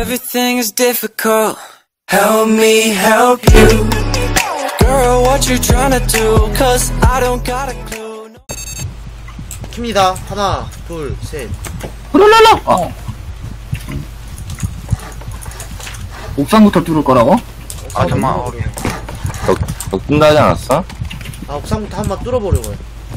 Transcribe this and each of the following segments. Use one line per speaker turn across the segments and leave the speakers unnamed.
Everything is difficult. Help me help you. Girl, what you trying to do? Cause I don't got a clue.
킵니다. 하나, 둘, 셋.
훌랄랄라! 옥상부터 뚫을 거라고?
아, 잠깐만.
너 뜬다 하지 않았어?
아, 옥상부터 한번 뚫어보려고요.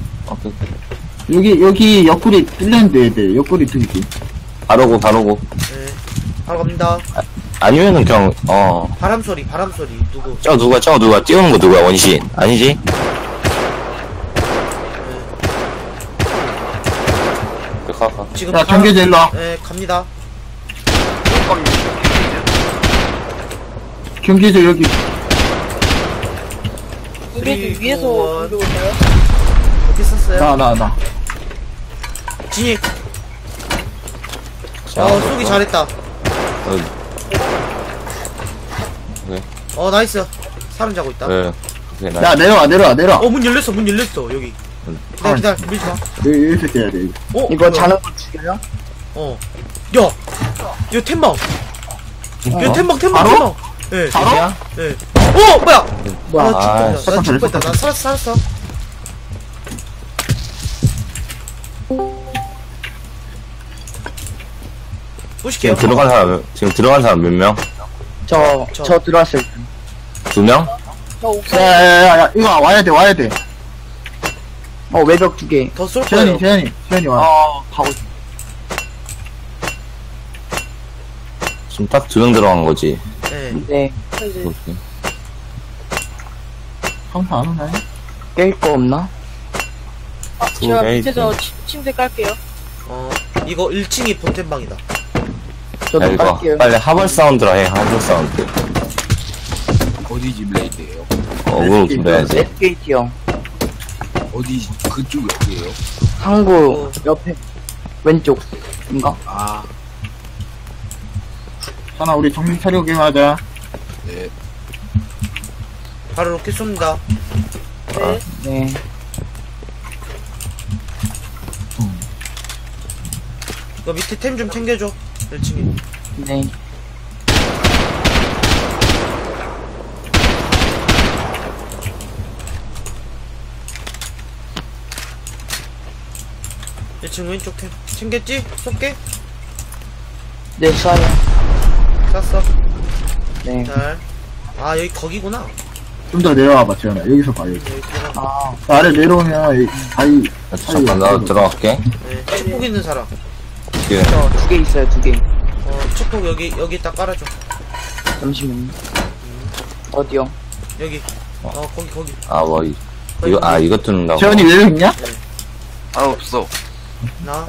여기 옆구리 뚫렸는데, 네, 옆구리 뚫기.
바로고.
네. 바로 갑니다.
아니면은 그냥,
바람소리, 누구?
저 누가, 띄우는 거 누구야, 원신? 아니지? 가.
지금
야, 경계제 일로 와.
네, 갑니다.
경계제 여기.
우리 위에서 올라올까요?
어떻게 썼어요?
나.
진입.
자,
쏘기 잘했다.
네.
나이스. 사람 자고 있다.
네.
야, 내려와.
문 열렸어, 여기. 기다려, 밀지 마.
여기서 떼야 돼, 이거.
이거 자는 거 죽여요?
야! 이거 템방! 이거 템방!
바로?
예.
바로?
예. 뭐야! 나 죽을 뻔했다. 나 살았어. 보실게요.
지금 들어간 사람 몇 명?
저 들어왔어요.
2명?
저 옥상.
야, 이거 와야 돼.
외벽 2개.
더 쏠 거예요.
세연이 와.
가고 있어.
지금 딱 2명 들어간 거지.
네.
오케이.
상타 안 오나요?
깰 거 없나? 제가 밑에서 침대 깔게요.
이거 1층이 본템방이다.
저도
이거
깔게요.
빨리 하벌 사운드라 해, 하벌 사운드.
어디지 블레이드예요?
어그로 돌려야지.
웨스트게이트요.
어디 그쪽 어디예요?
항구 옆에 왼쪽인가?
아,
하나, 우리 정신 차리고 게임하자.
네.
바로 로켓 쏩니다.
네.
이거 밑에 템 좀 챙겨줘. 1층에.
네.
층 왼쪽 템 챙겼지? 쏠게?
네, 쏴요.
쐈어.
네.
잘. 여기 거기구나.
좀 더 내려와봐, 재현아. 여기서 봐, 여기.
여기 들어가.
아래 내려오면, 이 바위.
잠깐, 나도 들어갈게.
네. 책복 있는 사람.
예.
저 2개 있어요, 2개.
책복 여기 딱 깔아줘.
잠시만요. 어디요?
여기. 거기.
이거 뚫는다고.
재현이 왜 여기 있냐?
없어.
나.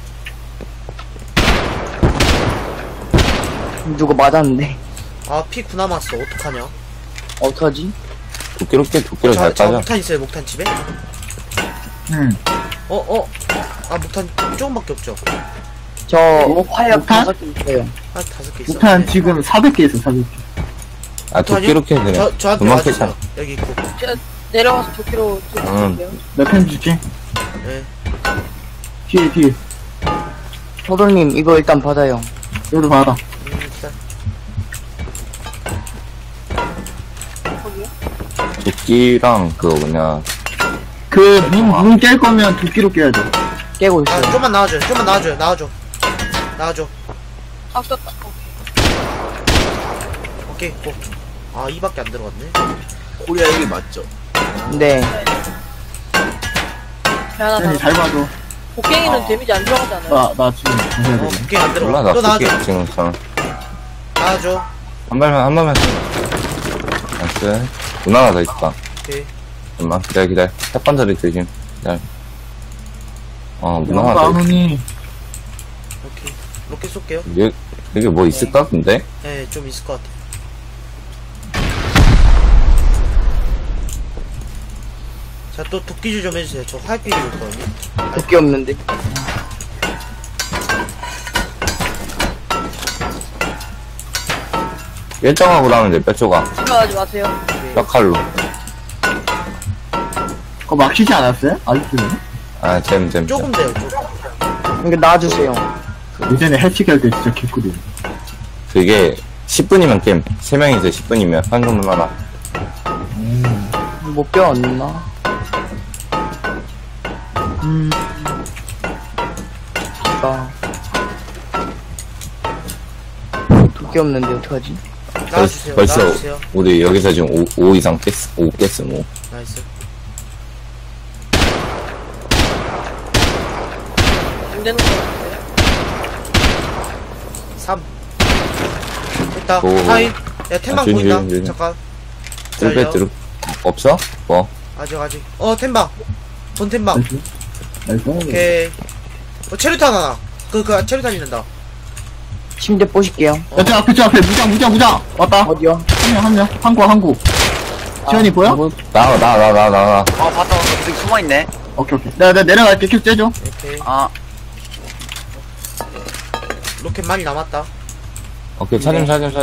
누구 맞았는데.
피 9 남았어. 어떡하냐?
어떡하지?
도끼로 잘
저
빠져.
목탄 있어요, 목탄 집에?
응.
목탄 조금밖에 없죠?
저 화약
목탄?
5개 있어요.
5개 있어.
목탄 지금 400개 있어, 400개.
도끼로 캐, 그냥.
저한테
금방
와주세요.
캐잖아.
여기 있고.
내려가서 도끼로 들어갈게요.
몇 펜 주지?
네.
뒤에.
서돌님, 이거 일단 받아요.
여기도 받아.
기다려.
도끼랑 그냥.
문 깰 거면 도끼로 깨야 돼.
깨고 있어요.
좀만 나와줘.
아, 떴다.
오케이, 고. 2밖에 안 들어갔네.
코리아 이게 맞죠?
네.
재현이 잘 봐줘.
곡괭이는 데미지 안 들어가잖아요.
나 지금 정해야 돼.
오케이, 안 들어가.
몰라, 나
또
도끼
나와줘.
지금
나와줘.
한 발만. 나이스. 문 하나 더 있다.
오케이.
잠깐만, 기다려. 햇반자리 조심. 기다려. 문 하나
안
더 있다.
오니.
오케이. 로켓 쏠게요.
여기 뭐 있을까, 근데?
네, 좀 있을 것 같아. 자, 또 도끼질 좀 해주세요. 저 화약비리 올 거거든요.
도끼 없는데.
열정하고 나면 돼, 뼈조각.
들어가지 마세요.
뼈칼로.
그거 막히지 않았어요? 아직도.
잼.
조금 돼요, 조금.
이거 놔주세요.
예전에 해치기 할 때 진짜 개꿀이야.
그게 10분이면 게임. 3명이서 10분이면 한금만 하나.
못 배웠나? 아. 도끼 없는데 어떡하지?
나와주세요.
벌써
나와주세요.
우리 여기서 지금 5 이상 깼어. 5 깼어, 뭐.
나이스.
안 되는 거 같아요.
3. 됐다.
오.
타임. 야, 템방
준,
보인다.
준, 준.
잠깐.
뚫배
기다려.
뚫 없어? 뭐?
아직. 템방. 본 템방.
나이스. 나이스.
오케이. 체류탄 하나. 체류탄 있는다.
침대 보실게요.
야, 저 앞에, 무장. 왔다.
어디요?
한 명. 항구. 지현이 보여?
나와.
아, 봤다. 저기 숨어있네.
오케이. 내가 내려갈게. 큐 째줘.
오케이.
아,
로켓 많이 남았다.
오케이, 차짐.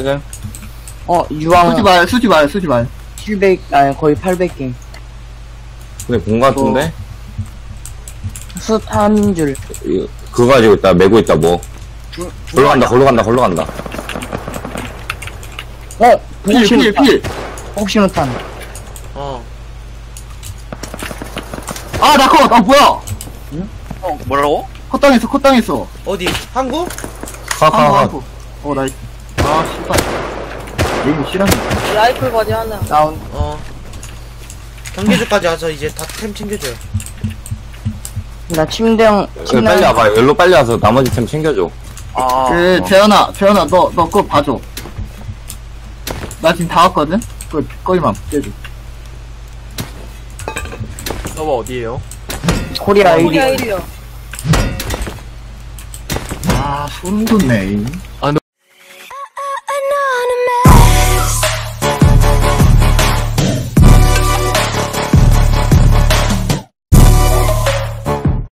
유황
수지 말.
700, 아니, 거의 800개.
근데 본 거 같은데?
숯 한 줄.
그거 가지고 있다, 메고 있다, 뭐. 걸로 간다.
필.
혹시노탄.
어.
아, 나 컷. 아, 뭐야?
뭐라고?
컷당했어.
어디? 항구?
항구. 나이스. 아, 씨발. 에임 실하네.
라이플 바디 하나. 다운.
경계주까지 와서 이제 다 템 챙겨줘요.
나 침대형,
빨리 와봐. 열로 빨리 와서 나머지 템 챙겨줘.
아,
재현아, 너 그거 봐줘. 나 지금 다 왔거든? 거기만 째줘.
서버 어디에요?
코리아 1위.
아, 소름 돋네.